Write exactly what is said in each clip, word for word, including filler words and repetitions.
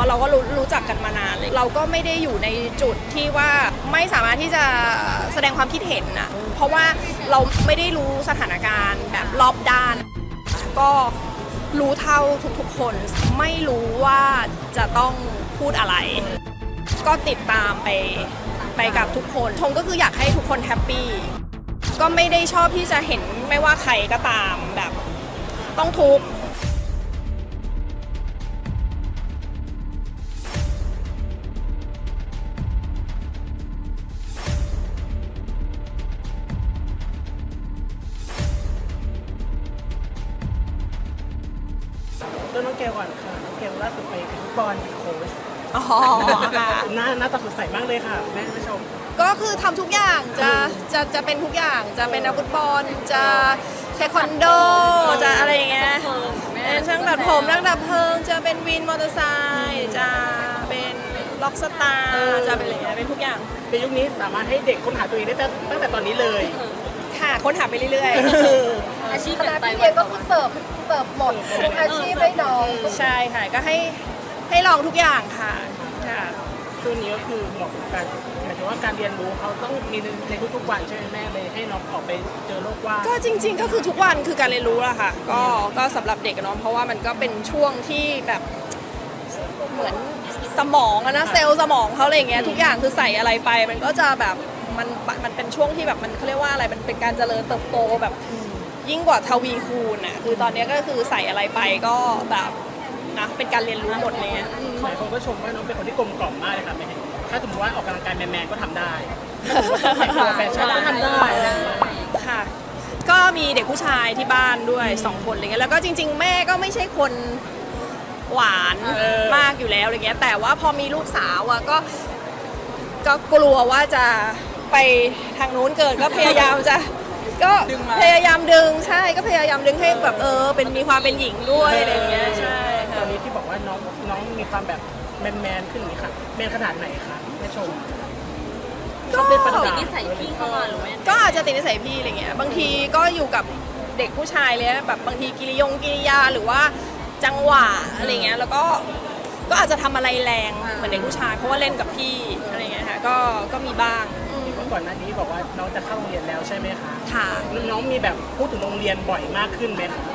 ะเราก็รู้รู้จักกันมานานเลยเราก็ไม่ได้อยู่ในจุดที่ว่าไม่สามารถที่จะแสดงความคิดเห็นนะเพราะว่าเราไม่ได้รู้สถานการณ์แบบรอบด้านก็รู้เท่าทุกๆคนไม่รู้ว่าจะต้องพูดอะไรก็ติดตามไปไปกับทุกคนชมก็คืออยากให้ทุกคนแฮปปี้ก็ไม่ได้ชอบที่จะเห็นไม่ว่าใครก็ตามแบบต้องทุกข์ต้นน้องเกลก่อนค่ะน้องเกลล่าสุดไปเป็นฟุตบอลเป็นโค้ชอ๋อค่ะหน้าหน้าตาสดใสมากเลยค่ะแม่ผู้ชมก็คือทำทุกอย่างจะจะจะเป็นทุกอย่างจะเป็นนักฟุตบอลจะเทควันโดจะอะไรอย่างเงี้ยเป็นช่างตัดผมนักดับเพลิงจะเป็นวินมอเตอร์ไซค์จะเป็นล็อกสตาร์จะเป็นอะไรเงี้ยเป็นทุกอย่างในยุคนี้สามารถให้เด็กค้นหาตัวเองได้ตั้งแต่ตอนนี้เลยค่ะค้นหาไปเรื่อยอาชีพแบบพี่เรียนก็คือเสิร์ฟเสิร์ฟหมดทุกอาชีพให้น้องๆใช่ค่ะก็ให้ให้ลองทุกอย่างค่ะค่ะช่วงนี้ก็คือเหมาะกับการหมายถึงว่าการเรียนรู้เขาต้องมีในทุกๆวันใช่ไหมแม่เลยให้น้องออกไปเจอโลกกว้างก็จริงๆก็คือทุกวันคือการเรียนรู้อะค่ะก็ก็สำหรับเด็กเนาะเพราะว่ามันก็เป็นช่วงที่แบบเหมือนสมองอะนะเซลล์สมองเขาอะไรอย่างเงี้ยทุกอย่างคือใส่อะไรไปมันก็จะแบบมันมันเป็นช่วงที่แบบมันเขาเรียกว่าอะไรมันเป็นการเจริญเติบโตแบบยิ่งกว่าทวีคูณอะคือตอนนี้ก็คือใส่อะไรไปก็แบบนะเป็นการเรียนรู้หมดเลยอะหลายคนก็ชมว่าน้องเป็นคนที่กลมกล่อมมากเลยค่ะแม่ถ้าสมมติว่าออกกำลังกายแมนๆก็ทำได้แต่งตัวแฟชั่นก็ทำได้อะไรอย่างเงี้ยค่ะก็มีเด็กผู้ชายที่บ้านด้วยสองคนอะไรเงี้ยแล้วก็จริงๆแม่ก็ไม่ใช่คนหวานมากอยู่แล้วอะไรเงี้ยแต่ว่าพอมีลูกสาวอะก็ก็กลัวว่าจะไปทางนู้นเกินก็พยายามจะก็พยายามดึงใช่ก็พยายามดึงให้แบบเออเป็นมีความเป็นหญิงด้วยอะไรเงี้ยใช่ตค่ะอนนี้ที่บอกว่าน้องน้องมีความแบบแมนๆขึ้นนี่ค่ะแมนขนาดไหนคะแม่ชมชอบเล่นประดับติดนิสัยพี่เข้ามาหรือไม่ก็อาจจะติดนิสัยพี่อะไรเงี้ยบางทีก็อยู่กับเด็กผู้ชายเลยแบบบางทีกิริยงกิริยาหรือว่าจังหวะอะไรเงี้ยแล้วก็ก็อาจจะทำอะไรแรงเหมือนเด็กผู้ชายเพราะว่าเล่นกับพี่อะไรเงี้ยค่ะก็ก็มีบ้างอืมเมื่อก่อนหน้านี้บอกว่าน้องจะเข้าโรงเรียนแล้วใช่ไหมคะค่ะน้องมีแบบพูดถึงโรงเรียนบ่อยมากขึ้นไหมคะ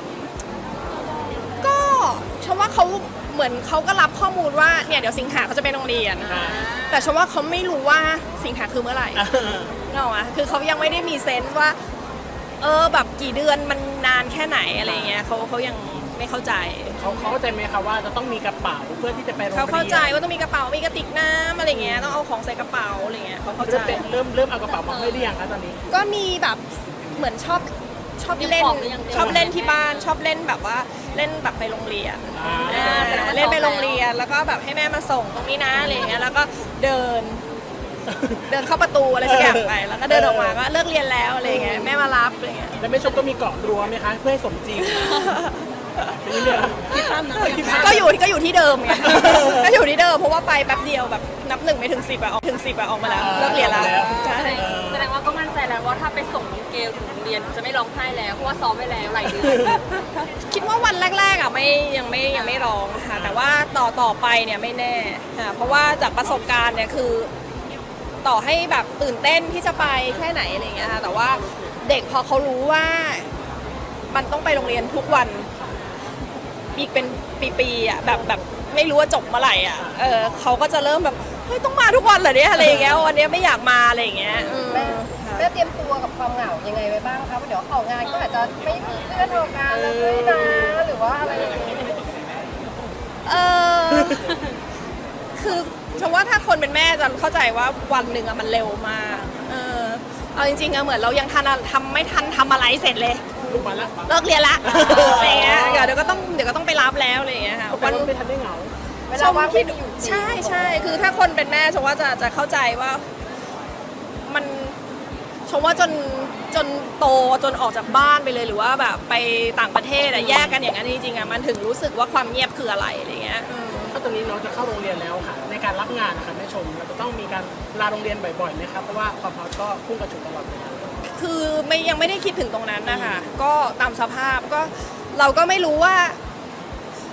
ก็ชมว่าเขาเหมือนเขาก็รับข้อมูลว่าเนี่ยเดี๋ยวสิงหาเขาจะไปโรงเรียนอ่าแต่ชมว่าเขาไม่รู้ว่าสิงหาคือเมื่อไหร่อ่าเนกอะวะคือเขายังไม่ได้มีเซนส์ว่าเออแบบกี่เดือนมันนานแค่ไหนอะไรเงี้ยเขาเขายังไม่เข้าใจเขาเขาเข้าใจไหมคะว่าจะต้องมีกระเป๋าเพื่อที่จะไปโรงเรียเขานเข้าใจว่าต้องมีกระเป๋ามีกระติกน้ำอะไรเงี้ยต้องเอาของใส่กระเป๋าอะไรเงี้ยเขาเข้าใจเริ่มเป็นเริ่มเริ่มเอากระเป๋ามาให้หรือยังคะตอนนี้ก็มีแบบเหมือนชอบชอบเล่นชอบเล่นที่บ้านชอบเล่นแบบว่าเล่นแบบไปโรงเรียนอ่าอ่าเล่นไปโรงเรียนแล้วก็แบบให้แม่มาส่งตรงนี้นะอะไรเงี้ยแล้วก็เดิน เดินเข้าประตูอะไรสักอย่างไปแล้วก็เดินออกมาก็เลิกเรียนแล้วอะไรเงี้ยแม่มารับอะไรเงี้ยแล้วแม่ชมก็มีเกาะรั้วไหมคะเพื่อให้สมจริงเป็นเรื่องคิดภาพนะคิดภาพก็อยู่ก็อยู่ที่เดิมไง ก็อยู่ที่เดิมเพราะว่าไปแป๊บเดียวแบบนับหนึ่งไม่ถึงสิบอะออกถึงสิบอะออกมาแล้วเลิกเรียนแล้วใช่แสดงว่าก็มั่นใจแล้วว่าถ้าไปส่งน้องเกลถึงโรงเรียนจะไม่ร้องไห้แล้วเพราะว่าซ้อมไว้แล้วหลายเดือนคิดว่าวันแรกๆอะไม่ยังไม่ยังไม่ร้องค่ะแต่ว่าต่อต่อไปเนี่ยไม่แน่ค่ะเพราะว่าจากประสบการณ์เนี่ยคือ ต่อให้แบบตื่นเต้นที่จะไปแค่ไหนอะไรเงี้ยค่ะแต่ว่าเด็กพอเขารู้ว่ามันต้องไปโรงเรียนทุกวันอีกเป็นปีๆอ่ะแบบแบบไม่รู้ว่าจบเมื่อไหร่อ่ะเออเขาก็จะเริ่มแบบเฮ้ยต้องมาทุกวันเหรอเนี่ยอะไรอย่างเงี้ยวันนี้ไม่อยากมาอะไรอย่างเงี้ยอืมแม่แม่เตรียมตัวกับความเหงายังไงไว้บ้างคะเดี๋ยวออกงานก็อาจจะไม่มีเพื่อนออกงานแล้วด้วยนะหรือว่าอะไรอย่างเงี้ยเออคือฉันว่าถ้าคนเป็นแม่จะเข้าใจว่าวันหนึ่งอะมันเร็วมากเออเอาจริงๆอะเหมือนเรายังทันอะทำไม่ทันทำอะไรเสร็จเลยลูกมาแล้วเลิกเรียนละอะไรเงี้ยเดี๋ยวก็ต้องเดี๋ยวก็ต้องไปรับแล้วอะไรเงี้ยค่ะวันไม่ทันได้เหงาเวลาว่างคิดไม่มีอยู่จริงใช่ใช่คือถ้าคนเป็นแม่ชมว่าจะจะเข้าใจว่ามันชมว่าจนจนโตจนออกจากบ้านไปเลยหรือว่าแบบไปต่างประเทศอะแยกกันอย่างนั้นจริงๆอะมันถึงรู้สึกว่าความเงียบคืออะไรอะไรเงี้ยอืมถ้าตอนนี้น้องจะเข้าโรงเรียนแล้วค่ะ ในการรับงานนะคะแม่ชมเราจะต้องมีการลาโรงเรียนบ่อยๆไหมครับเพราะว่าความฮอตก็พุ่งกระฉูดตลอดเวลาคือไม่ยังไม่ได้คิดถึงตรงนั้นนะคะก็ตามสภาพก็เราก็ไม่รู้ว่า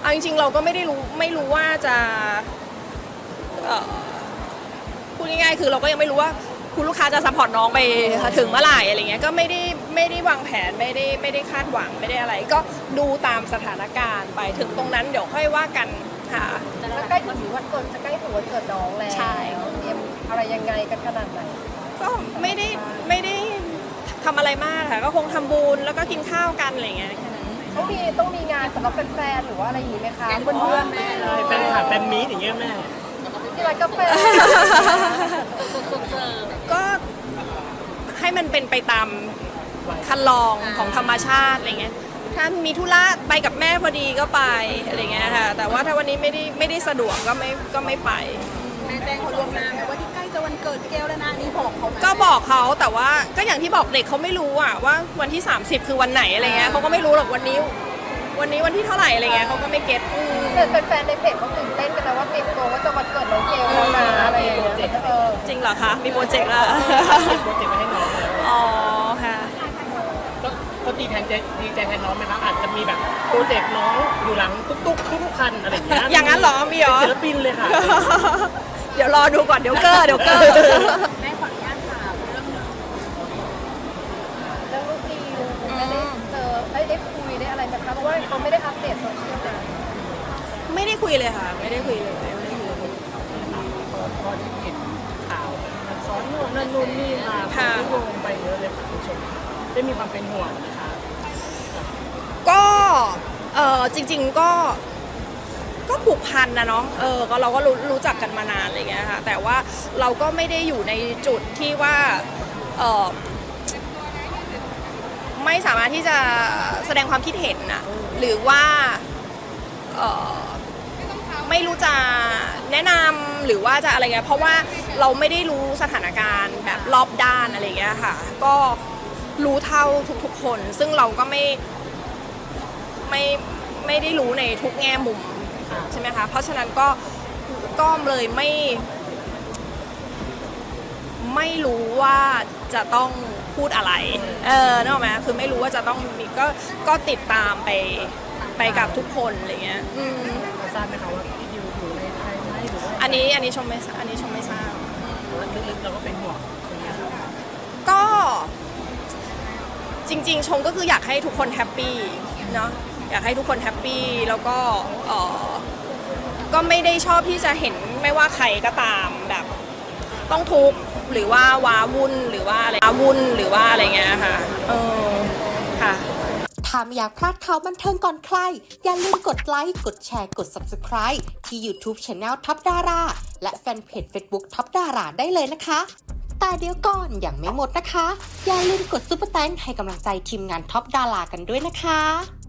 เอาจริงๆเราก็ไม่ได้รู้ไม่รู้ว่าจะเอ่อพูดง่ายๆคือเราก็ยังไม่รู้ว่าคุณลูกค้าจะซัพพอร์ตน้องไปถึงเมื่อไหร่อะไรเงี้ยก็ไม่ได้ไม่ได้วางแผนไม่ได้ไม่ได้คาดหวังไม่ได้อะไร ก็ดูตามสถานการณ์ไปถึงตรงนั้นเดี๋ยวค่อยว่ากันค่ะแล้วใกล้ถึงวันเกิดจะใกล้ถึงวันเกิดน้องแล้วใช่เตรียมอะไรยังไงกันขนาดไหนก็ไม่ได้ไม่ได้ทำอะไรมากค่ะก็คงทำบุญแล้วก็กินข้าวกันอะไรเงี้ยแค่นั้นต้องมีต้องมีงานสำหรับแฟนๆหรือว่าอะไรอย่างนี้ไหมคะแก๊งเพื่อนๆแม่แฟนคลับแฟนมีตอย่างเงี้ยแม่ที่ร้านกาแฟก็ให้มันเป็นไปตามคันลองของธรรมชาติอะไรเงี้ยถ้ามีธุระไปกับแม่พอดีก็ไปอะไรเงี้ยค่ะแต่ว่าถ้าวันนี้ไม่ได้ไม่ได้สะดวกก็ไม่ก็ไม่ไปแม่แจ้งเขาล่วงหน้าไหมว่าที่ใกล้จะวันเกิดแก้วแล้วนะนี่บอกเขาไหมก็บอกเขาแต่ว่าก็อย่างที่บอกเด็กเขาไม่รู้อะว่าวันที่ สามสิบ คือวันไหนอะไรเงี้ยเขาก็ไม่รู้หรอกวันนี้ วันนี้วันที่เท่าไหร่อะไรเงี้ยเขาก็ไม่เก็ตอืมแต่แฟนๆในเพจเขาตื่นเต้นกันนะว่าเตรียมตัวว่าจะวันเกิดน้องเกลแล้วนะอะไรอย่างเงี้ยเออจริงเหรอคะมีโปรเจกต์ละโปรเจกต์ไปให้น้องแล้วอ๋อค่ะก็ก็ดีแทนใจดีใจแทนน้องไหมครับอาจจะมีแบบโปรเจกต์น้องอยู่หลังตุ๊กๆทุกๆคันอะไรอย่างเงี้ยอย่างนั้นเหรอมีเหรอศิลปินเลยค่ะเดี๋ยวรอดูก่อนเดี๋ยวเกอร์เดี๋ยวเกอร์แม่ขออนุญาตถามเรื่องหนึ่งเรื่องลูกดีได้เจอได้ได้คุยได้อะไรไหมคะเพราะว่าเขาไม่ได้อัปเดตโซเชียลนะไม่ได้คุยเลยค่ะ ไม่ได้คุยเลยไม่ได้คุยเลยพอที่เห็นข่าวมันซ้อนนู่นนั่นนู่นนี่มาค่ะโยงไปเยอะเลยค่ะคุณผู้ชมได้มีความเป็นห่วงนะคะก็เออจริง ๆก็ก็ผูกพันนะเนาะเออก็เราก็รู้รู้จักกันมานานอะไรเงี้ยค่ะแต่ว่าเราก็ไม่ได้อยู่ในจุดที่ว่าเออไม่สามารถที่จะแสดงความคิดเห็นนะหรือว่าเออไม่รู้จะแนะนำหรือว่าจะอะไรเงี้ยเพราะว่าเราไม่ได้รู้สถานการณ์แบบรอบด้านอะไรเงี้ยค่ะก็รู้เท่าทุกๆคนซึ่งเราก็ไม่ไม่ไม่ได้รู้ในทุกแง่มุมใช่ไหมคะเพราะฉะนั้นก็ก็เลยไม่ไม่รู้ว่าจะต้องพูดอะไรเออนึกออกไหมคือไม่รู้ว่าจะต้องมีก็ก็ติดตามไปไปกับทุกคนอะไรเงี้ยอืมเราทราบไหมคะว่าพี่ดิวอยู่ในไทยไหมหรือว่าอันนี้อันนี้ชมไม่อันนี้ชมไม่ทราบลึกๆเราก็เป็นห่วงตรงนี้ครับก็จริงๆชมก็คืออยากให้ทุกคนแฮปปี้เนาะอยากให้ทุกคนแฮปปี้แล้วก็เออก็ไม่ได้ชอบที่จะเห็นไม่ว่าใครก็ตามแบบต้องทุกข์หรือว่าว้าวุ่นหรือว่าอะไรว้าวุ่นหรือว่าอะไรเงี้ยค่ะเออค่ะถ้าไม่อยากพลาดข่าวบันเทิงก่อนใคร อย่าลืมกดไลค์ กดแชร์ กด ซับสไครบ์ ที่ YouTube Channel ท็อปดาราและแฟนเพจ Facebook ท็อปดาราได้เลยนะคะ แต่เดี๋ยวก่อนอย่างไม่หมดนะคะ อย่าลืมกดซุปเปอร์แตงให้กำลังใจทีมงานท็อปดารากันด้วยนะคะ